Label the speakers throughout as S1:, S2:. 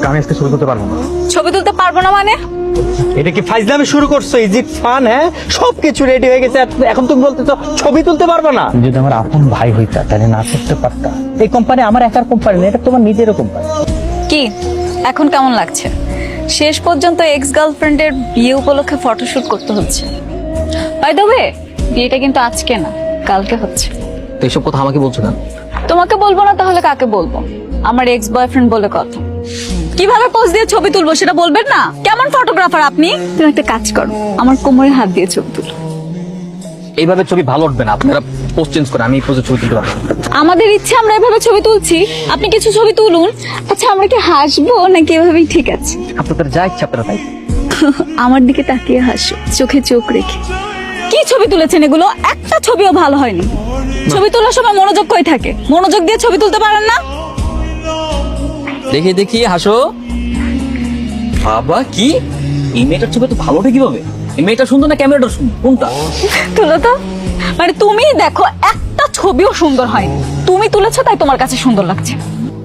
S1: আমি আজকে ছবি তুলতে পারবো না।
S2: ছবি তুলতে পারবো না মানে?
S1: এটা কি ফাইজলামি শুরু করছো? Is it fun? হ্যাঁ, সবকিছু রেডি হয়ে গেছে, এখন তুমি বলতেছো ছবি তুলতে পারবো না? যদি আমার আপন ভাই হইতা তাহলে না করতে পারতা। এই কোম্পানি আমার একার কোম্পানি না, এটা তোমার নিজেরও কোম্পানি।
S2: কি এখন কেমন লাগছে? শেষ পর্যন্ত এক্স গার্লফ্রেন্ডের বিয়ে উপলক্ষে ফটোশুট করতে হচ্ছে। বাই দ্য ওয়ে, বিয়েটা কিন্তু আজকে না, কালকে হচ্ছে।
S3: তো এইসব কথা আমাকে বলছো কেন?
S2: তোমাকে বলবো না তাহলে কাকে বলবো? আমার এক্স বয়ফ্রেন্ড বলে কথা। কিভাবে পোজ দিয়ে ছবি তুলবো সেটা বলবেন না? কেমন ফটোগ্রাফার আপনি? তুমি একটা কাজ করো, আমার কোমরে হাত দিয়ে ছবি তুলো।
S3: এইভাবে ছবি ভালো উঠবে না, আপনারা পোস্ট চেঞ্জ করে আমি এই পোজে ছবি তুলতে পারবো না।
S2: আমাদের ইচ্ছে আমরা এভাবে ছবি তুলছি, আপনি কিছু ছবি তুলুন। আচ্ছা, আমরা কি হাসবো নাকি এভাবেই ঠিক আছে?
S3: আপনাদের যা ইচ্ছা আপনারা তাই।
S2: আমার দিকে তাকিয়ে হাসো, চোখে চোখ রেখে। কি ছবি তুলেছেন এগুলো? একটা ছবিও ভালো হয়নি। ছবি তোলার সময় মনোযোগ কই থাকে? মনোযোগ দিয়ে ছবি তুলতে পারেন না?
S3: দেখি দেখি হাসো। বাবা কি এই মেয়েটার ছবি তো ভালো ওঠে কিভাবে? এই মেয়েটা সুন্দর না ক্যামেরাটা সুন্দর? কোনটা?
S2: তুলো তো। মানে তুমি দেখো, একটা ছবিও সুন্দর হয়নি। তুমি তুলেছো তাই তোমার কাছে সুন্দর লাগছে।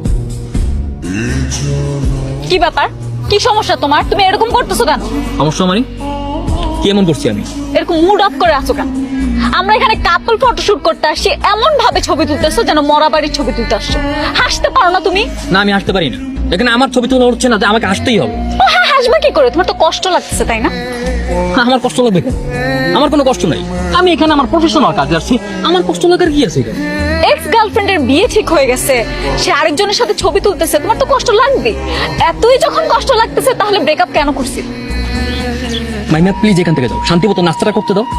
S2: কি ব্যাপার? কি সমস্যা তোমার? তুমি এরকম করতেছো কেন?
S3: সমস্যা মানে কি এমন করছি আমি?
S2: এরকম মুড অফ করে আছো কেন? আমরা এখানে কাপল ফটোশুট করতে আসছি, এমন ভাবে ছবি তুলতেছো যেন মরা বাড়ির ছবি তুলতে আসছো। হাসতে পারো না তুমি?
S3: না, আমি হাসতে পারি না। এখানে আমার ছবি তোলা উঠছে না, যে আমাকে হাসতেই হবে।
S2: ও হ্যাঁ, হাসবে কি করে? তোমার তো কষ্ট লাগতেছে তাই না?
S3: আমার কষ্ট লাগবে কেন? আমার কোনো কষ্ট নাই। আমি এখানে আমার প্রফেশনাল কাজে আসছি, আমার কষ্ট লাগার কি আছে এখানে?
S2: এক্স গার্লফ্রেন্ডের বিয়ে ঠিক হয়ে গেছে, সে আরেকজনের সাথে ছবি তুলতেছে, তোমার তো কষ্ট লাগবে। এতই যখন কষ্ট লাগতেছে তাহলে ব্রেকআপ কেন করছিস?
S3: মাইমা প্লিজ এখান থেকে যাও, শান্তি মতো নাস্তাটা করতে দাও।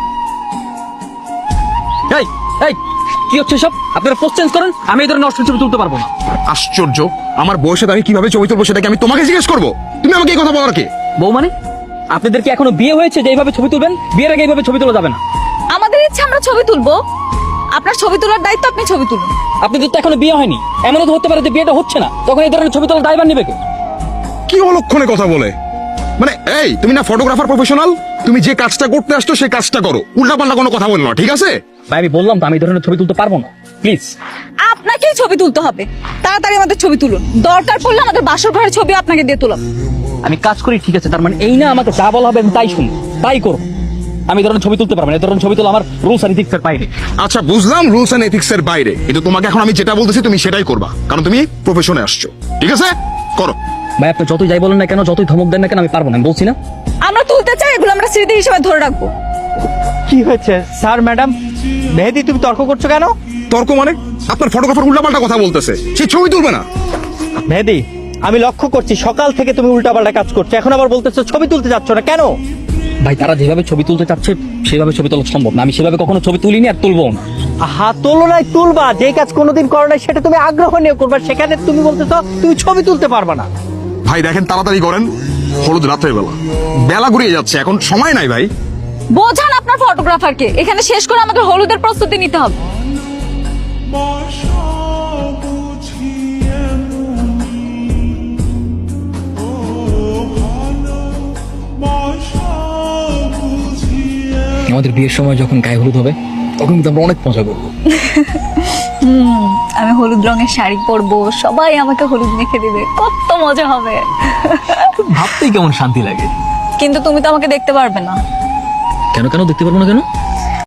S3: এই এই কি হচ্ছে সব? আপনারা পোস্ট চেঞ্জ করেন, আমি এই ধরনের নষ্ট ছবি তুলতে পারবো না।
S4: আশ্চর্য, আমার বয়সে আমি কিভাবে ছবি তুলবো সেটাকে আমি তোমাকে জিজ্ঞেস করবো? তুমি আমাকে এই কথা বলার কে?
S3: বউ মানে? আপনাদের কি এখনো বিয়ে হয়েছে যে এইভাবে ছবি তুলবেন? বিয়ের আগে এইভাবে ছবি তোলা যাবে না।
S2: আমাদের ইচ্ছে আমরা ছবি তুলবো, আপনার ছবি তোলার দায়িত্ব আপনি ছবি তুলুন।
S3: আপনাদের তো এখনো বিয়ে হয়নি, এমনও তো হতে পারে যে বিয়েটা হচ্ছে না, তখন এই ধরনের ছবি তোলার দায়ভার নেবে কে?
S4: কি অলক্ষণে কথা বলে? মানে এই তুমি না ফটোগ্রাফার প্রফেশনাল, তুমি যে কাজটা করতে আসছো সেই কাজটা করো, উল্টাপাল্টা কোনো কথা বলো না, ঠিক আছে?
S3: ভাই আমি বললাম তো আমি এই ধরনের ছবি তুলতে পারবো না, প্লিজ।
S2: আপনাকেই ছবি তুলতে হবে, তাড়াতাড়ি আমাদের ছবি তুলুন। দরকার পড়লে আমাদের বাসর ঘরের ছবি আপনাকে দিয়ে তুলাম।
S3: আমি কাজ করি ঠিক আছে, তার মানে এই না আমাকে যা বলা হবে আমি তাই শুনি, তাই করবো। আমি এই ধরনের ছবি তুলতে পারবো না, এই ধরনের ছবি তোলা আমার রুলস আর ইথিক্সের বাইরে।
S4: আচ্ছা বুঝলাম, রুলস এন্ড এথিক্স এর বাইরে, কিন্তু তোমাকে এখন আমি যেটা বলতেছি তুমি সেটাই করবা, কারণ তুমি প্রফেশনে আসছো, ঠিক আছে? করো।
S3: ভাই আপনি যতই যাই বলেন না কেন, যতই ধমক দেন না কেন, আমি পারবো না, আমি বলছি না।
S2: আমরা তুলতে চাই, এগুলো আমরা স্মৃতি হিসেবে ধরে রাখবো।
S1: কি হয়েছে স্যার? ম্যাডাম মেহেদি, তুমি তর্ক করছো কেন?
S4: তর্ক মানে? আপনার ফটোগ্রাফার উল্টাপাল্টা কথা বলতেছে, সে ছবি তুলবে না।
S1: মেহেদি, আমি লক্ষ্য করছি সকাল থেকে তুমি উল্টাপাল্টা কাজ করছো, এখন আবার বলতেছো ছবি তুলতে যাচ্ছ না কেন?
S3: ভাই তারা যেভাবে ছবি তুলতে চাচ্ছে সেভাবে ছবি তোলা সম্ভব না, আমি সেভাবে কখনো ছবি তুলিনি আর তুলবো না।
S1: হাত তোলো নাই, তুলবা। যে কাজ কোনোদিন করো নাই সেটা তুমি আগ্রহ নিয়ে করবা, সেখানে তুমি বলতেছো তুমি ছবি তুলতে পারবা না।
S4: ভাই দেখেন, তাড়াতাড়ি করেন, হলুদ রাত্রের বেলা, বেলা ঘুরিয়ে যাচ্ছে, এখন সময় নাই ভাই।
S2: বোঝান আপনার ফটোগ্রাফারকে, এখানে শেষ করে আমাদের হলুদের প্রস্তুতি নিতে হবে।
S3: আমাদের বিয়ের সময় যখন গায়ে হলুদ হবে তখন কিন্তু আমরা অনেক মজা করবো।
S2: আমি হলুদ রঙের শাড়ি পরবো, সবাই আমাকে হলুদ মেখে দিবে, কত মজা হবে।
S3: ভাবতেই কেমন শান্তি লাগে।
S2: কিন্তু তুমি তো আমাকে দেখতে পারবে না।
S3: কেন কেন দেখতে পারবো না কেন?